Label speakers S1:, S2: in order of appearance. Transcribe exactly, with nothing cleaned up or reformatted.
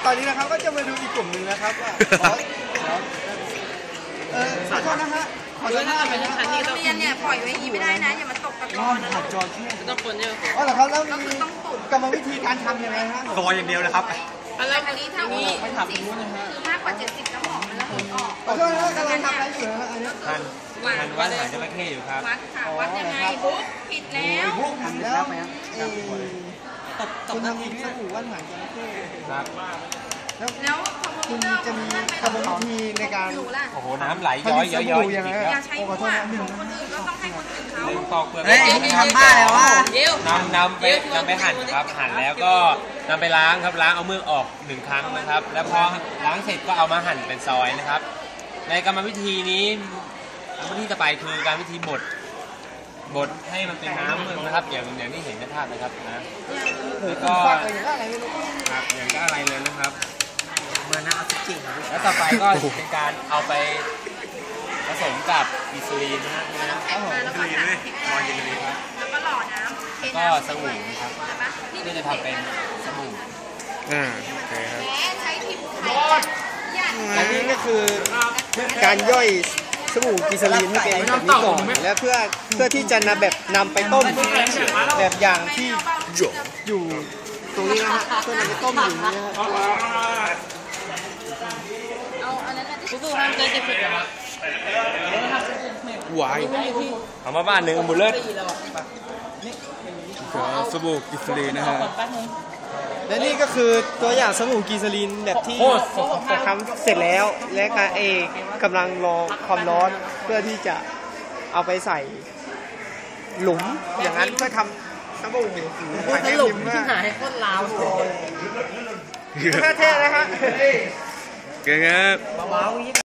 S1: ตอนนี้นะครับก็จะมาดูอีกกลุ่มหนึ่งนะครับว่าเออขอโทษนะฮะขอโทษนะไปนะ
S2: เรียนเนี่ยปล่อยไว้อย่างนี้ไม่ได้นะอย่ามาตกตะกอนนะ
S1: จอแค่
S2: ต้องคนเยอะ
S1: อ๋อเหรอครับแล้วมีกรรมวิธีการทำยังไงฮะ
S3: ซอยอย่างเดียวเลยครับ
S2: อะไรอันนี้ถ้ามีไม่ทำอย่างนู้นนะฮะคือมากกว่าเจ็ดสิบแล้วหอมมันระเหยออก
S1: ขอโทษนะกำลังทำอะไรอยู่นะอันนี้
S3: มันมันวัดหางจระเข้อยู่ครับ
S2: วัดค่ะวัดยังไงบุ๊กผิดแล้ว
S1: บุ๊กทำแล้วคุณทำอีกสักหมู่วัดหางจระเข้
S3: ครับ
S2: แล้ว
S1: คุณจะมีกรรมวิธีในการ
S3: โอ้โหน้ำไหลย้อยย้อยย้อย
S1: ยังไง
S2: อย่าใช้มั่วของคนอื่นก็ต้องให้คนอื่นเขา
S3: ตอกเปลือก
S1: เฮ้ยทำบ้าแล้วว่
S3: านำนำไปนำไปหั่นครับหั่นแล้วก็นำไปล้างครับล้างเอาเมือกออกหนึ่งครั้งนะครับแล้วพอล้างเสร็จก็เอามาหั่นเป็นซอยนะครับในกรรมวิธีนี้กรรมวิธีต่อไปคือการวิธีบดบดให้มันเป็นน้ำเมือกนะครับอย่างอย่างที่เห็นในภาพนะครับนะแล้วก็ครับอย่างก็อะไรเลยนะครับ
S1: เมื่อน้ำจริง
S3: แล้วต่อไปก็เป็นการเอาไปผสมกับอิซูลินนะฮะ
S2: แล้วก็
S3: อิซูลินเลยมอนยินดีครับ
S2: แล้วก็หล่อน้ำ
S3: แล้วก็สบู่นะครับที่จะทำเป็นสบู่
S1: อ่าโอเคครับ
S2: ใช้ทิมไทย
S1: อันนี้ก็คือการย่อยสบู่กิซาลีนที่เป็นแบบนี้ก่อนและเพื่อเพื่อที่จะนำแบบนำไปต้มแบบอย่างที่อยู่ตรงนี้นะฮะเพื่อนำไปต้มอยู่นี่นะ
S2: เอาอันนั้นสู้ๆห้ามเกินเจ็ดสิบหรอ
S1: หวาย
S3: เอามาบ้านหนึ่งบุลเลต
S1: สบู่กิซาลีนนะฮะและนี่ก็คือตัวอย่างสบู่กิซาลีนแบบที่ทำเสร็จแล้วและการเอกกำลังรอความร้อนเพื่อที่จะเอาไปใส่หลุมอย่างนั้นเพื่อทำสบู่
S2: สรุปที่ไหนโคตรลาว
S1: เท่ๆนะฮะ
S3: เก่งครับ